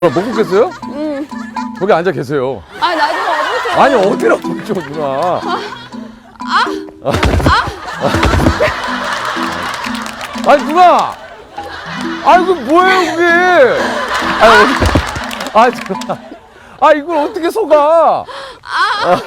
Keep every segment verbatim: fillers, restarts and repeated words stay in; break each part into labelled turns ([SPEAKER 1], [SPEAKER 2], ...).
[SPEAKER 1] 못 걷겠어요?
[SPEAKER 2] 응.
[SPEAKER 1] 거기 앉아 계세요.
[SPEAKER 2] 아, 나도 와보세요.
[SPEAKER 1] 아니 어디로 걷죠 누나. 아. 아. 아. 아니 누나. 아 이거 뭐예요 그게. 아니 어디. 아 누나. 아 이걸 어떻게 속아. 아.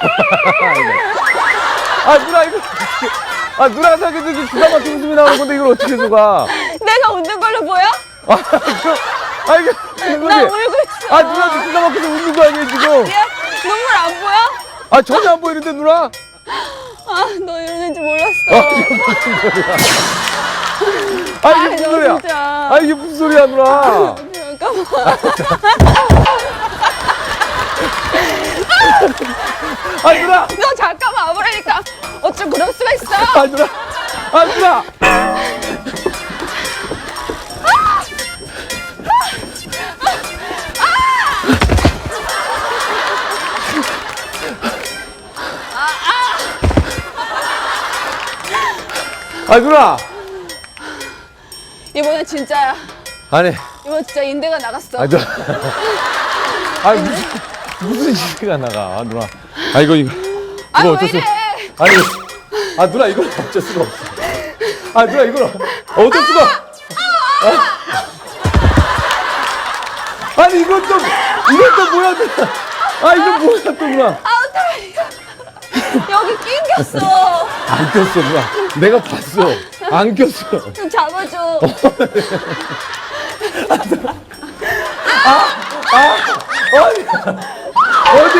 [SPEAKER 1] 아 누나 이거 어떻게. 아 누나가 생각해도 이게 기가 막힌 웃음이 나오는 건데 이걸 어떻게 속아.
[SPEAKER 2] 내가 웃는 걸로 보여?
[SPEAKER 1] 아 이거. 아 이게.
[SPEAKER 2] 나 울고 있어.
[SPEAKER 1] 아 누나도 기가 막혀서 웃는 거 아니에요 지금.
[SPEAKER 2] 얘 눈물 안 보여?
[SPEAKER 1] 아 전혀 안 보이는데 누나.
[SPEAKER 2] 아, 너 이러는지 몰랐어.
[SPEAKER 1] 아 이게 무슨 소리야. 아 이게 무슨
[SPEAKER 2] 너
[SPEAKER 1] 소리야.
[SPEAKER 2] 진짜.
[SPEAKER 1] 아 이게 무슨 소리야 누나.
[SPEAKER 2] 잠깐만.
[SPEAKER 1] 아 누나.
[SPEAKER 2] 너 잠깐만 와보라니까. 어쩜 그럴 수가 있어?
[SPEAKER 1] 아 누나. 아 누나. 아 누나.
[SPEAKER 2] 이번엔 진짜야.
[SPEAKER 1] 아니.
[SPEAKER 2] 이번 진짜 인대가 나갔어.
[SPEAKER 1] 아 누나. 아 무슨 무슨 시대가 나가 누나. 아 이거 이거.
[SPEAKER 2] 아,
[SPEAKER 1] 이거
[SPEAKER 2] 왜
[SPEAKER 1] 어쩔 수.
[SPEAKER 2] 이래?
[SPEAKER 1] 아니. 아 누나 이걸 어쩔 수가 없어. 아 누나 이걸 어쩔 수가. 아. 아니 이건 또 이건 또 뭐야 누나. 아 이건 뭐야 또 누나.
[SPEAKER 2] 아, 어떡해. 여기 낑겼어.
[SPEAKER 1] 안 꼈어 누나. 내가 봤어. 안 꼈어.
[SPEAKER 2] 좀 잡아줘.
[SPEAKER 1] 어디? 어디?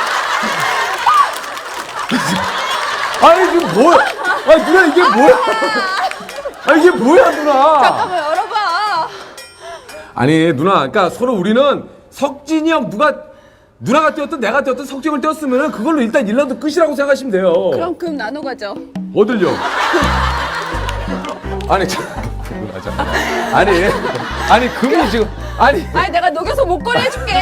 [SPEAKER 1] 아니 지금 뭐야? 아 누나 이게 뭐야? 아 이게 뭐야 누나?
[SPEAKER 2] 잠깐만 열어봐.
[SPEAKER 1] 아니 누나, 그러니까 서로 우리는 석진이 형 누가 누나가 뛰었든 내가 뛰었든 석진이 형을 뛰었으면은 그걸로 일단 일 라운드 끝이라고 생각하시면 돼요.
[SPEAKER 2] 그럼 금 나눠 가죠.
[SPEAKER 1] 어딜요? 아니 참 누나 잠깐. 아니 아니 금이 지금 아니.
[SPEAKER 2] 아니 내가 녹여서 목걸이 해줄게.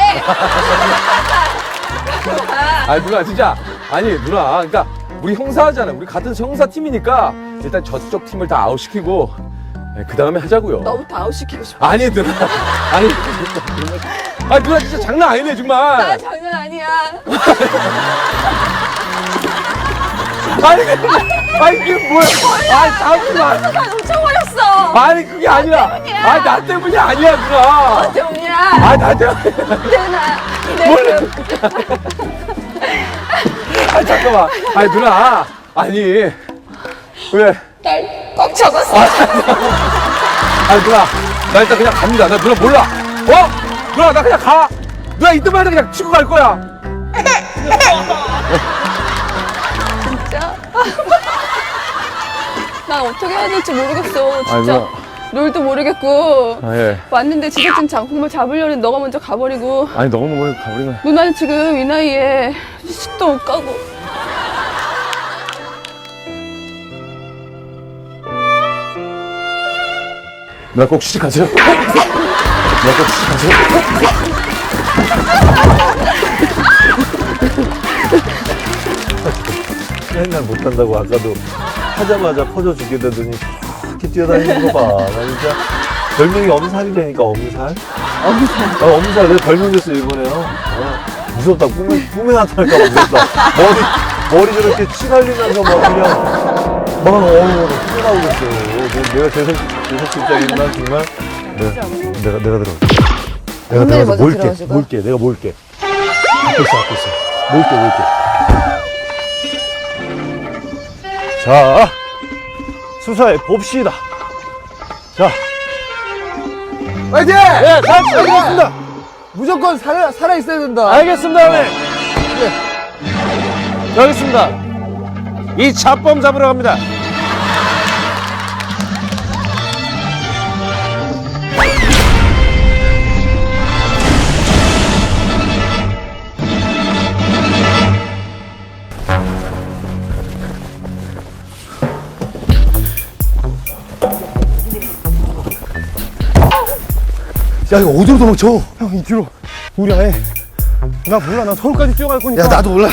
[SPEAKER 1] 아니 누나 진짜 아니 누나 그러니까 우리 형사잖아요. 우리 같은 형사 팀이니까 일단 저쪽 팀을 다 아웃시키고 그 다음에 하자고요.
[SPEAKER 2] 너부터 아웃시키고 싶어.
[SPEAKER 1] 아니 누나 아니 아 누나 진짜 장난 아니네
[SPEAKER 2] 나
[SPEAKER 1] 정말.
[SPEAKER 2] 장난 아니야.
[SPEAKER 1] 아니 아니 이게 뭐야? 아니 잠시만.
[SPEAKER 2] 나 놓쳐버렸어.
[SPEAKER 1] 아니 그게 아니라
[SPEAKER 2] 때문이야.
[SPEAKER 1] 아니 나 때문이 아니야 누나.
[SPEAKER 2] 너 때문이야.
[SPEAKER 1] 아니 나 때문에.
[SPEAKER 2] 내나
[SPEAKER 1] 뭘?
[SPEAKER 2] 내
[SPEAKER 1] 아니 잠깐만. 아니 누나 아니 왜?
[SPEAKER 2] 날꽉 잡았어.
[SPEAKER 1] 아니 누나 나 일단 그냥 갑니다. 나 누나 몰라. 어? 누나 나 그냥 가. 누나 이때만 해도 그냥 치고 갈 거야.
[SPEAKER 2] 진짜. 난 어떻게 해야 될지 모르겠어. 진짜.
[SPEAKER 1] 아니, 누나.
[SPEAKER 2] 롤도 모르겠고.
[SPEAKER 1] 아 예.
[SPEAKER 2] 왔는데 지게진 장풍을 잡으려는 너가 먼저 가버리고.
[SPEAKER 1] 아니 너무 너무 가버리면.
[SPEAKER 2] 누나는 지금 이 나이에 식도 못 가고.
[SPEAKER 1] 누나 꼭 취직하세요. 누나 꼭 취직하세요.
[SPEAKER 3] 맨날 못한다고 아까도 하자마자 퍼져 죽겠다더니 이렇게 뛰어다니는 거 봐. 나 진짜 별명이 엄살이라니까 엄살. 엄살. 어, 엄살. 내가 별명 줬어 일본에요. 어, 무섭다. 꿈에 꿈에 나타날까 봐 무섭다. 머리 머리 저렇게 치갈리면서 막 그냥 막 어우 꿈에 나오겠어. 내가- 내가 재석 재석 실장이나 정말 내가 내가 내가 들어. 내가 들어가서 몰게 몰게 내가 몰게. 앞에 있어 앞에 있어. 몰게 몰게. 자, 수사해 봅시다. 자,
[SPEAKER 1] 파이팅!
[SPEAKER 3] 네, 잘 부탁드리겠습니다.
[SPEAKER 1] 무조건 살아 살아 있어야 된다.
[SPEAKER 3] 알겠습니다, 형님. 여기 있습니다. 이 잡범 잡으러 갑니다.
[SPEAKER 4] 야 이거 어디로 도망쳐?
[SPEAKER 3] 형, 이 뒤로. 우리 아예. 나 몰라. 나 서울까지 뛰어갈 거니까.
[SPEAKER 4] 야 나도 몰라.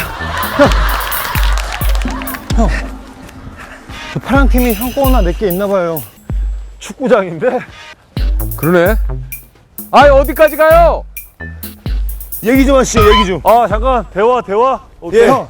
[SPEAKER 3] 저 파란 팀이 형 거나 내 게 있나 봐요. 축구장인데.
[SPEAKER 1] 그러네. 아 어디까지 가요?
[SPEAKER 4] 얘기 좀 하시죠, 얘기 좀.
[SPEAKER 3] 아 잠깐 대화 대화. 오케이.
[SPEAKER 4] 예. 형,